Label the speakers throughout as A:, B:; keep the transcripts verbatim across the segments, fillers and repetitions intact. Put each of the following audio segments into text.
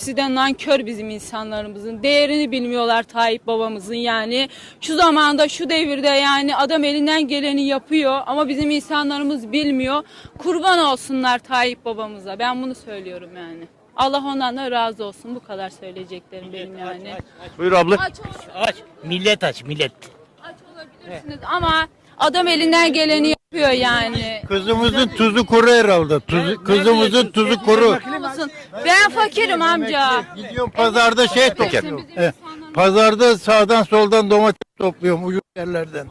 A: hepsi de nankör bizim insanlarımızın. Değerini bilmiyorlar Tayyip babamızın yani. Şu zamanda, şu devirde yani adam elinden geleni yapıyor ama bizim insanlarımız bilmiyor. Kurban olsunlar Tayyip babamıza. Ben bunu söylüyorum yani. Allah ondan da razı olsun. Bu kadar söyleyeceklerim benim yani.
B: Buyur abla.
A: Aç,
C: Aç. Millet aç millet.
A: aç olabilirsiniz ama adam elinden geleni yapıyor yani.
D: Kızımızın tuzu kuru herhalde. Tuzu, kızımızın tuzu kuru.
A: Ben fakirim amca.
D: Gidiyorum pazarda şey
A: Bizim
D: topluyorum.
A: insanlarımız-
D: Pazarda sağdan soldan domates topluyorum ucuz yerlerden.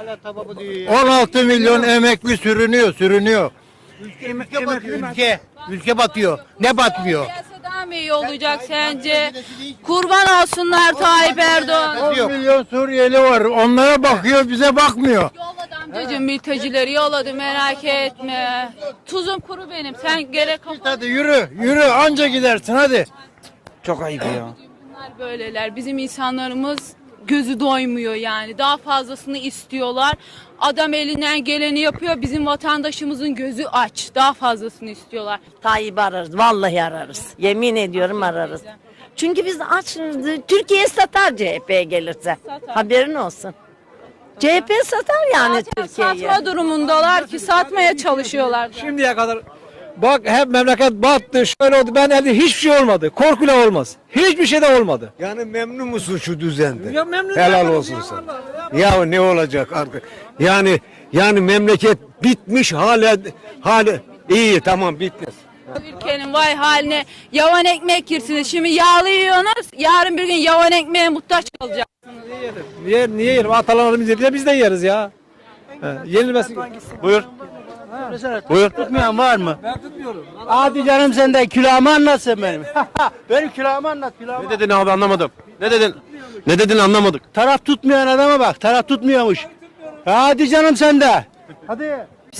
D: on altı milyon emekli sürünüyor, sürünüyor.
C: Ülke batıyor ülke. Ülke batıyor. Ne batmıyor?
A: Siyasi daha mı iyi olacak sence? Kurban olsunlar Tayyip Erdoğan.
D: on milyon Suriyeli var. Onlara bakıyor, bize bakmıyor.
A: Yolladı amcacığım mültecileri yolladı merak etme. Tuzum kuru benim. Sen gerek
D: Hadi yürü, yürü anca gidersin hadi.
C: Çok ayıp ya.
A: Bunlar böyleler. Bizim insanlarımız gözü doymuyor yani. Daha fazlasını istiyorlar. Adam elinden geleni yapıyor. Bizim vatandaşımızın gözü aç. Daha fazlasını istiyorlar.
E: Tayyip'i ararız. Vallahi ararız. Yemin ediyorum ararız. Çünkü biz açız. Türkiye satar C H P'ye gelirse.
A: Satar.
E: Haberin olsun. C H P satar yani
A: Zaten
E: Türkiye'yi.
A: satma durumundalar ki satmaya çalışıyorlar.
F: Şimdiye kadar bak hep memleket battı, şöyle oldu. Ben elde hiçbir şey olmadı. Korkuyla olmaz. Hiçbir şey de olmadı.
G: Yani memnun musun şu düzenden?
F: Ya memnun
G: Helal
F: değilim
G: olsun
F: ya,
G: sana.
F: vallahi
G: Ya ne olacak artık? Yani yani memleket bitmiş hala hala iyi tamam bitmez.
A: Ülkenin vay haline yavan ekmek yersiniz. Şimdi yağlı yiyorsunuz. Yarın bir gün yavan ekmeğe muhtaç kalacak.
F: Niye, niye yerim? Atalarımız yedi de biz de yeriz ya. He, yenilmesin.
B: Buyur. Buyur.
H: Tutmayan var mı?
F: Ben tutmuyorum.
H: Hadi canım sen de külahımı anlatsın benim. Benim külahımı anlat külahımı.
B: Ne dedin abi anlamadım. Ne dedin? Ne dedin anlamadık.
H: Taraf tutmayan adama bak. Taraf tutmuyormuş. Hadi canım sen de. Hadi.